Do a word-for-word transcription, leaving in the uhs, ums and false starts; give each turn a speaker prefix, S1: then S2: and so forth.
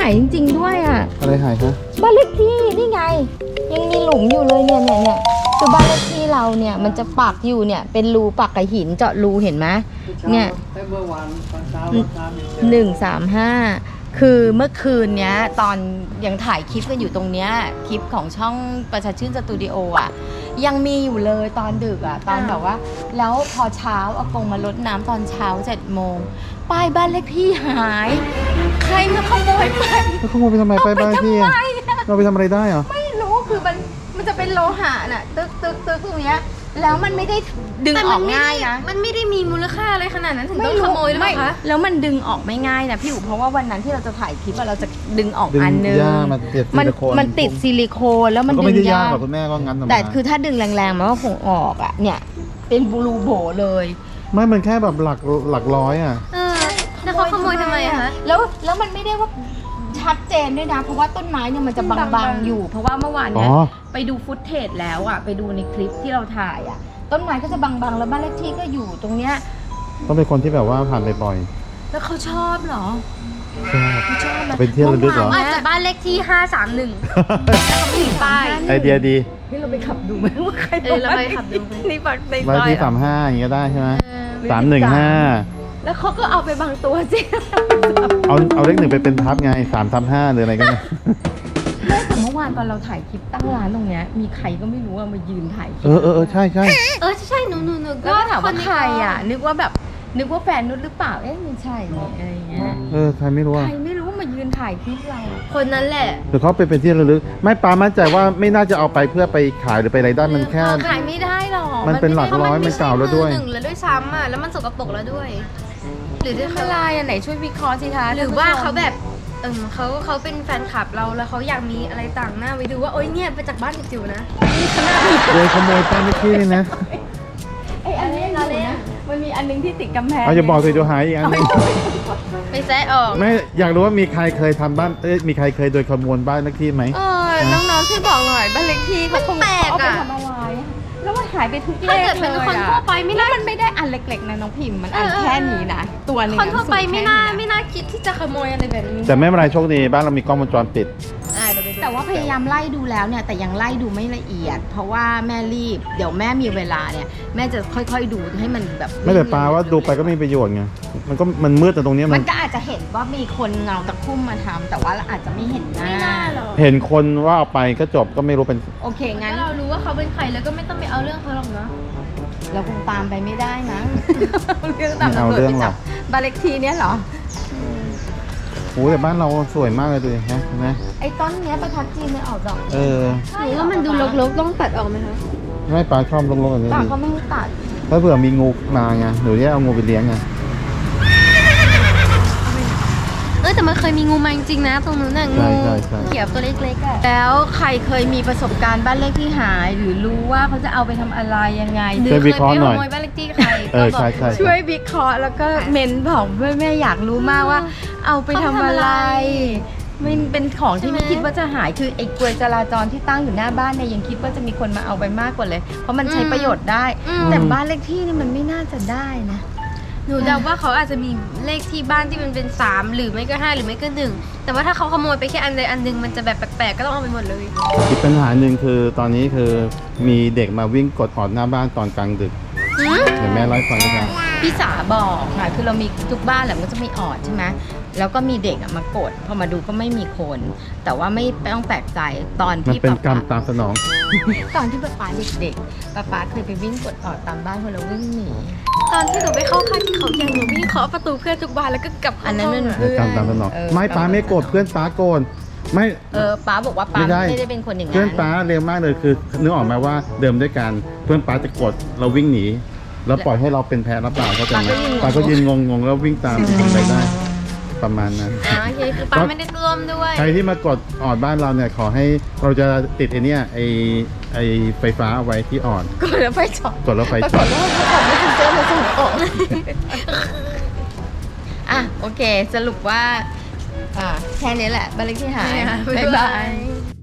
S1: ายจริงๆด้วยอ่ะ
S2: อะไรหายคะ
S1: บ้านเลขที่นี่ไงยังมีหลุมอยู่เลยเนี่ยเนี่ยเนี่ยคือบ้านเลขที่เราเนี่ยมันจะปักอยู่เนี่ยเป็นรูปักกับหินเจาะรูเห็นไหมเนี่ยหนึ่งสามห้าคือเมื่อคืนเนี้ยตอนยังถ่ายคลิปกันอยู่ตรงเนี้ยคลิปของช่องประชาชื่นสตูดิโออ่ะยังมีอยู่เลยตอนดึกอ่ะตอนแบบว่าแล้วพอเช้าอากงมารดน้ำตอนเช้าเจ็ดโมงป้ายบ้านเลขที่หายใครมาขโมยไป
S2: แล้วขโมยไปทำไมไปบ้านพี่อะเราไปทำอะไรได้เหรอ
S1: ไม่รู้คือมันมันจะเป็นโลหะน่ะตึกตึกตึกตรงเนี้ยแล้วมันไม่ได้ดึงออกง่ายนะ
S3: มันไม่ได้มีมูลค่าอะไรขนาดนั้นถึงต้องขโมยหรือเปล่าคะ
S1: แล้วมันดึงออกไม่ง่ายนะพี่อู๋เพราะว่าวันนั้นที่เราจะถ่ายคลิปเราจะดึงออกอันนึง
S2: มันติดซิลิโคน
S1: มันติดซิลิโคนแล้วมันดึงยาก
S2: หรอกคุณแม่ก็งั้น
S1: แต่คือถ้าดึงแรงๆมันก็คงออกอ่ะเนี่ยเป็นบลูโบเลย
S2: ไม่มันแค่แบบหลักหลักร้อยอ่ะ
S3: เออแล้วเขาขโมยทำไมอะคะ
S1: แล้วแล้วมันไม่ได้ว่าชัดเจนด้วยนะเพราะว่าต้นไม้เนี่ยมันจะบางๆอยู่เพราะว่าเมื่อวานเนี้ยไปดูฟุตเทจแล้วอ่ะไปดูในคลิปที่เราถ่ายอ่ะต้นไม้ก็จะบางๆแล้วบ้านเลขที่ก็อยู่ตรงเนี้ย
S2: ต้องเป็นคนที่แบบว่าผ่านบ่อย
S1: แล้วเขาชอบเหรอ
S2: ๆชอบ
S1: ชอบนะ
S2: เป็นที่ระลึกเหรอ
S3: อาจจะบ้านเลขที่ห้าสามหนึ่งแล้วเขาไม่ถึงป้าย
S2: ไอเดียดี
S1: นี่เราไปขับดูไหมว่าใคร
S3: เออเราไปขับดูไหม
S1: นี่ปักใน
S2: บ้าน
S1: ซอย
S2: ที่
S1: อะ
S2: สามห้าอย่างเงี้ยได้ใช่ไหมสามหนึ่งห้า
S1: แล้วเขาก็เอาไปบางตัวสิ
S2: เอาเอาเลขหนึ่งไปเป็นทับไงสามทับห้าหรืออะไรก็ได้
S1: ไม่แต่เมื่อวานตอนเราถ่ายคลิปตั้งร้านตรงเนี้ยมีใครก็ไม่รู้อะมายืนถ่ายคลิป
S2: เออเออเออใช่ใช่
S3: เออใช่หนูหนูหนู
S1: แล้วก็ถามว่า
S3: ใน
S1: ใครอ่ะ นึกว่าแบบนึกว่าแฟนนุชหรือเปล่าเอ๊ะไม่ใช่นี่อะไรอย่างเงี้ย
S2: เออใครไม่รู้อ่ะ
S1: ใครไม่รู้มายืนถ่ายคลิปเรา
S3: คนนั้นแหละ
S2: หรือเขาไปเป็นที่ระลึกไม่ปามั่นใจว่าไม่น่าจะเอาไปเพื่อไปขายหรือไปอะไรได้มันแค่
S1: ขายไม่ได้หรอก
S2: มันเป็นหลักร้อยมันเก่าแล้วด้วย
S3: หนึ่งแล้วด้วยซ้ำอ่ะแล้วมันสกปรกแล้วด้วย หรือด้วย
S1: ไม่
S3: เขา
S1: ลายอันไหนช่วยวิเคราะห์สิคะ
S3: หรือว่าเขาแบบเออเขาเขาเป็นแฟนคลับเราแล้วเขาอยากมีอะไรต่างหน้าไว้ดูว่าโอ๊ยเนี่ยไปจากบ้านจิ๋วๆนะ
S2: โดยขโมยป้ายเลขที่นี่นะ
S1: ไอ้อันนี้เราเนี่ยมันมีอันนึงที่ติดกำแพง
S2: เอาอย่าบอกสิเดี๋ยวหายอีกอันหนึง
S3: ไปแซะออก
S2: ไม่อยากรู้ว่ามีใครเคยทำบ้านเอ้ยมีใครเคยโดยขโมยบ้านเลขที่ไหม
S1: เออน้องๆช่วยบอกหน่อยบ้านเลขที่เขาคง
S3: มันแปลก
S1: เอาไป
S3: อะ
S1: ทำอะไรอะแล้วมันหายไปทุกเล
S3: ถ้า
S1: ข
S3: เกิดเป็น
S1: เลย
S3: คน
S1: อะ
S3: ทั่วไปไม่
S1: แล้
S3: น่าว
S1: มันไม่ได้อันเล็กๆนะน้องพิมพ์มันอัน
S3: เออ
S1: แค่นี้นะตัวหนึง
S3: คนทั่วไป
S1: สูง
S3: ไม่
S1: แค่
S3: น่า
S1: ะ
S3: ไม่น่าคิดที่จะขโมยอะไรแบบนี้
S2: แต่ไม่เป็นไรโชคดีบ้านเรามีกล้องวงจรปิด
S3: อ่าเดี๋ยวไปดู
S1: แต่ว่าพยายามไล่ดูแล้วเนี่ยแต่ยังไล่ดูไม่ละเอียด เพราะว่าแม่รีบเดี๋ยวแม่มีเวลาเนี่ยแม่จะค่อยๆดูให้มันแบบ
S2: ไม่แต่ปาว่าดูไปก็ไม่มีประโยชน์ไงมันก็มันมืดแต่ตรงเนี้ย
S1: มั
S2: มัน
S1: นก็อาจจะเห็นว่ามีคนเงาตะคุ่มมาทำแต่ว่าอาจจะไม่เห็นหน้า
S3: ไม่น่าหรอก
S2: เห็นคนว่าเอาไปก็จบก็ไม่รู้เป็น
S1: โอเคงั้
S3: งั้
S1: น
S3: นเรารู้ว่าเขาเป็นใครแล้วก็ไม่ต้องไปเอาเรื่องเขาหรอกเนาะ
S1: เราคงตามไปไม่ได้นะ เรื่องตาม
S2: ไม่เอาเรื่องหรอก
S1: บ้านเลขที่เนี่ยเหรอ
S2: โอ้แต่บ้านเราสวยมากเลยดูดิฮะเห็นไหม
S1: ไอ้ต้นเนี้ยประทัดจีนมันออกดอก
S2: เออ
S3: หรือว่ามันดูรกๆต้องตัดออกไหมคะ
S2: ไม่ปลาชอบลงๆแบบนี้
S1: ต่าง
S2: ดิ
S1: เขาไม่ให้ตัด
S2: ถ้าเผื่อมีงูมาไงหรือจะเอางูไปเลี้ยงไง
S3: เออแต่มันเคยมีงูมาจริงๆนะตรงนู้นน่ะงู
S2: ใช่ใช่ใช่
S3: เขียวตัวเล็กๆอ่ะ
S1: แล้วใครเคยมีประสบการณ์บ้านเลขที่หาย หรือรู้ว่าเขาจะเอาไปทำอะไรยังไง
S3: หรือ
S2: ช่วย
S3: เค
S2: วิ
S3: ย
S2: เคราะห์
S3: ไป
S2: ห
S3: ข
S2: น่อย
S3: โมยบ้านเลขที่ใคร
S2: เออ
S3: ก็บก
S2: ใช่ใช่
S1: ช่วยวิเคราะห์แล้วก็เมนบอกด้วยแม่อยากรู้มากว่า เอาไปทำอะไรมันเป็นของที่ไม่คิดว่าจะหายคือไอ้กลวยจราจรที่ตั้งอยู่หน้าบ้านเนี่ยยังคิดว่าจะมีคนมาเอาไปมากกว่าเลย เพราะมันใช้ประโยชน์ได้ แต่บ้านเลขที่นี่มันไม่น่าจะได้นะ
S3: หนูเดาว่าเขาอาจจะมีเลขที่บ้านที่มันเป็นสามหรือไม่ก็ห้าหรือไม่ก็หนึ่งแต่ว่าถ้าเขาขโมยไปแค่อันใดอันหนึ่งมันจะแบบแปลกๆก็ต้องเอาไปหมดเลย
S2: อีกปัญหาหนึ่งคือตอนนี้คือมีเด็กมาวิ่งกดออดหน้าบ้านตอนกลางดึกเดี๋ยวแม่เล่าให้ฟังด้วยกัน
S1: พี่สาบอกค่ะคือเรามีทุกบ้านแหละมันก็จะมีออดใช่ไหมแล้วก็มีเด็กอะมากดพอมาดูก็ไม่มีคน แต่ว่าไม่ต้องแปลกใจตอน
S2: มัน
S1: ที่
S2: เป็นกรรม
S1: ป๊า
S2: ตามสนอง
S1: ตอนที่ป๊าป๊าเด็กๆป๊าป๊าเคยไปวิ่งกดออดตามบ้านคนเราวิ่งหนี
S3: ตอนที่หนูไปเข้าค่ายที่เขาใหญ่หนูวิ่งเคาะประตูเพื่อนทุกบานแล้วก็กลับ
S1: อันนั้นมัน
S2: เออกรรมตามสนอง
S1: เออ
S2: ไม่ป้าไม่โกรธเพื่อนป้าโกรธไม่
S1: เออป๊าบอกว่าป๊า
S2: ไม่ได้
S1: ไม่ได้เป็นคนอย่างนั้น
S2: เพื่อนป้าเร็วมากเลยคือนึกออกไหมว่าเดิมด้วยกันเพื่อนป้าจะกดเราวิ่งหนีแล้วปล่อยให้เราเป็นแพ้รับเปล่าเขาใจไหมป้าก็ยืนงงๆแล้ววิ่งตามทำอะไรได้ประมาณนั้น
S3: อ่าโอเคคือป้าไม่ได้ร่วมด้วย
S2: ใครที่มากดออดบ้านเราเนี่ยขอให้เราจะติดไอเนี้ยไอไอไฟฟ้าเอาไว้ที่ออด
S1: กดแล้วไฟช็อต
S2: กดแล้วไฟ
S1: ปรา
S2: ช็
S1: ก
S2: อ
S1: ฏ
S2: ต
S1: ว่าเขาออกไม่ถึงเจอมาส่งออกอ่ะโอเค สรุปว่า อ่ะแค่นี้แหละบ้านเลขที่หาย
S3: ใช่ค่ะ
S1: บ๊ายบาย